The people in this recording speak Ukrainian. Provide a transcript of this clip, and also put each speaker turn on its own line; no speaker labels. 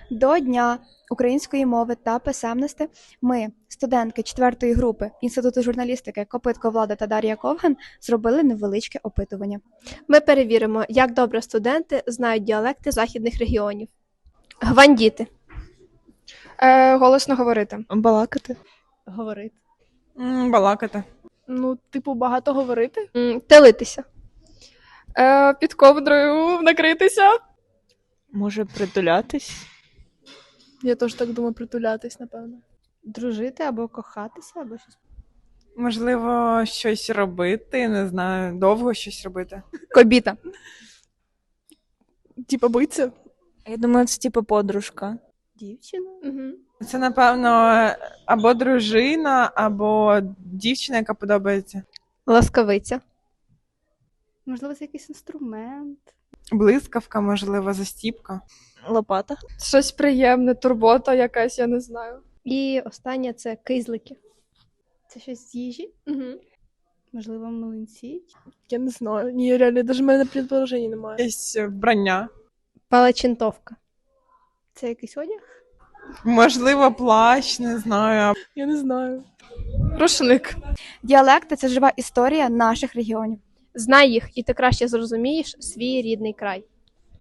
До Дня української мови та писемності ми, студентки 4-ї групи Інституту журналістики Копитко Влада та Дар'я Ковган, зробили невеличке опитування.
Ми перевіримо, як добре студенти знають діалекти західних регіонів. Гвандіти.
Голосно говорити.
Балакати.
Говорити.
Балакати.
Багато говорити.
Телитися.
Під ковдрою накритися.
Може притулятись.
Я теж так думаю, притулятись, напевно.
Дружити або кохатися, або щось.
Можливо, щось робити, не знаю, довго щось робити.
Кобіта.
Типа биться.
Я думаю, це типу подружка.
Дівчина.
Це, напевно, або дружина, або дівчина, яка подобається.
Ласкавиця.
Можливо, це якийсь інструмент.
Блискавка, можливо, застіпка.
Лопата.
Щось приємне, турбота якась, я не знаю.
І останнє це кизлики.
Це щось з їжі? Можливо, млинці?
Я не знаю. Ні, реально, навіть в мене предположення немає.
Якесь вбрання.
Палачинтовка.
Це якийсь одяг?
Можливо, плащ, не знаю.
Я не знаю. Рушник.
Діалекти – це жива історія наших регіонів.
Знай їх, і ти краще зрозумієш свій рідний край.